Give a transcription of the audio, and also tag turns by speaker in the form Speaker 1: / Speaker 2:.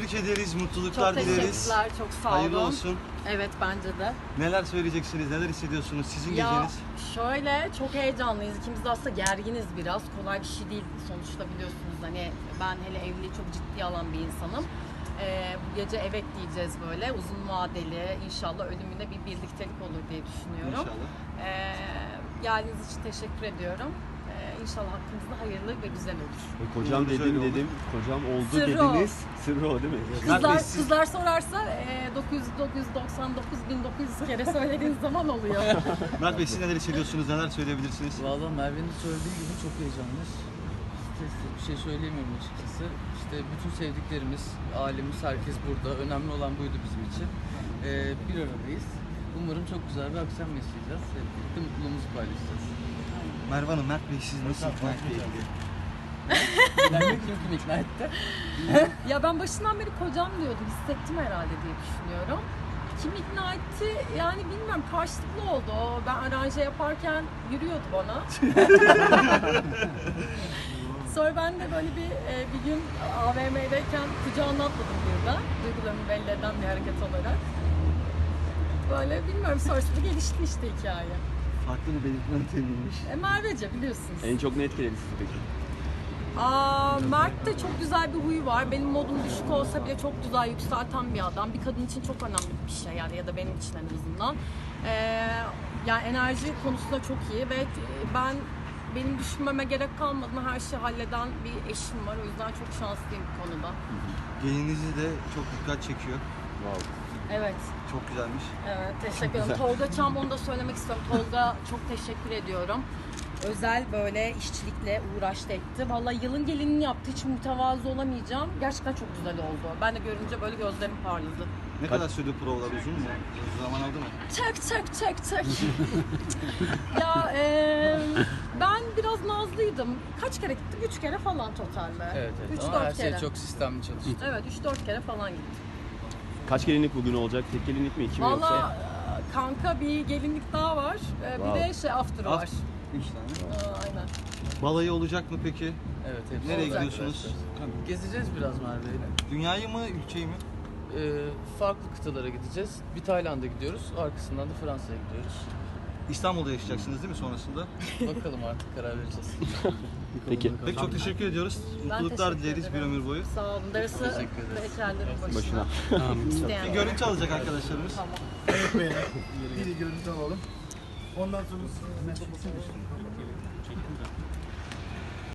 Speaker 1: Tebrik ederiz, mutluluklar
Speaker 2: Çok
Speaker 1: dileriz.
Speaker 2: teşekkürler, çok sağ olun.
Speaker 1: Hayırlı olsun.
Speaker 2: Evet, bence de.
Speaker 1: Neler söyleyeceksiniz, neler hissediyorsunuz sizin
Speaker 2: Ya
Speaker 1: geceniz?
Speaker 2: şöyle, çok heyecanlıyız. İkimiz de aslında gerginiz biraz. Kolay bir şey değil sonuçta, biliyorsunuz. Hani ben hele evliliği çok ciddiye alan bir insanım. Bu gece evet diyeceğiz böyle. Uzun vadeli, inşallah ölümüne bir birliktelik olur diye düşünüyorum.
Speaker 1: İnşallah.
Speaker 2: Geldiğiniz için teşekkür ediyorum. İnşallah hakkımızda hayırlı ve güzel olur.
Speaker 3: Kocam
Speaker 1: Güzel oldu.
Speaker 3: dedim, kocam oldu
Speaker 2: Sırrı o.
Speaker 3: dediniz. Sırrı o değil mi?
Speaker 2: Kızlar sorarsa 999 kere söylediğiniz zaman oluyor.
Speaker 1: Mert Bey, siz neler hissediyorsunuz, neler söyleyebilirsiniz?
Speaker 4: Valla Merve'nin söylediği gibi çok heyecanlıyız. Bir şey söyleyemiyorum açıkçası. İşte bütün sevdiklerimiz, ailemiz, herkes burada. Önemli olan buydu bizim için. Bir aradayız. Umarım çok güzel bir akşam yaşayacağız. Hep birlikte mutluluğumuzu paylaşacağız.
Speaker 1: Merve Hanım, Mert Bey siz nasıl ikna etti?
Speaker 4: Kim ikna etti?
Speaker 2: Ya ben başından beri kocam diyordum, hissettim herhalde diye düşünüyorum. Kim ikna etti yani bilmiyorum, karşılıklı oldu o. Ben aranje yaparken yürüyordu bana. Sonra ben de böyle bir gün AVM'deyken kucağına atladım burada. Duygularımı belli eden bir hareket olarak. Böyle bilmiyorum, sonrasında gelişti işte hikaye.
Speaker 1: Farklı bir belirtmen temizmiş.
Speaker 2: Mervece biliyorsunuz.
Speaker 3: En çok ne etkiledi sizi peki?
Speaker 2: Mert'te çok güzel bir huyu var. Benim modum düşük olsa bile çok güzel yükselten bir adam. Bir kadın için çok önemli bir şey yani, ya da benim için en azından. Yani enerji konusunda çok iyi ve benim düşünmeme gerek kalmadan her şeyi halleden bir eşim var. O yüzden çok şanslıyım bu konuda.
Speaker 1: Gelinizi de çok dikkat çekiyor.
Speaker 3: Wow.
Speaker 2: Evet.
Speaker 1: Çok güzelmiş.
Speaker 2: Evet, teşekkür ederim. Tolga Çam, onu da söylemek istiyorum. Tolga, çok teşekkür ediyorum. Özel böyle işçilikle uğraştı etti. Vallahi yılın gelinini yaptı. Hiç mütevazı olamayacağım. Gerçekten çok güzel oldu. Ben de görünce böyle gözlerim parladı.
Speaker 1: Ne kadar sürdü provalar, uzun mu? Uzun zaman aldı mı?
Speaker 2: Çek. Ya ben biraz nazlıydım. Kaç kere gittim? 3 kere falan totalde.
Speaker 4: Evet.
Speaker 2: 3-4
Speaker 4: Ama her
Speaker 2: kere.
Speaker 4: şey çok sistemli çalıştı.
Speaker 2: Evet, 3-4 kere falan gittim.
Speaker 3: Kaç gelinlik bugün olacak? Tek gelinlik mi? İki mi yoksa?
Speaker 2: Valla kanka bir gelinlik daha var. Bir de after var.
Speaker 1: 3 tane.
Speaker 2: Aynen.
Speaker 1: Balayı olacak mı peki?
Speaker 4: Evet, hepsi
Speaker 1: Nereye
Speaker 4: olacak
Speaker 1: gidiyorsunuz?
Speaker 4: arkadaşlar. Gezeceğiz biraz Merve'yle.
Speaker 1: Dünyayı mı, ülkeyi mi?
Speaker 4: Farklı kıtalara gideceğiz. Bir Tayland'a gidiyoruz. Arkasından da Fransa'ya gidiyoruz.
Speaker 1: İstanbul'da yaşayacaksınız değil mi sonrasında?
Speaker 4: Bakalım artık, karar vereceğiz.
Speaker 3: Peki.
Speaker 1: Peki, çok teşekkür ediyoruz. Mutluluklar
Speaker 2: teşekkür
Speaker 1: dileriz bir
Speaker 2: ederim.
Speaker 1: ömür boyu.
Speaker 2: Sağ olun. Darısı
Speaker 4: Teşekkür ederiz.
Speaker 2: bekarların
Speaker 3: Başına.
Speaker 2: İsteyen.
Speaker 1: Bir görüntü alacak arkadaşlarımız.
Speaker 5: Evet beyler. Bir görüntü alalım. Ondan sonra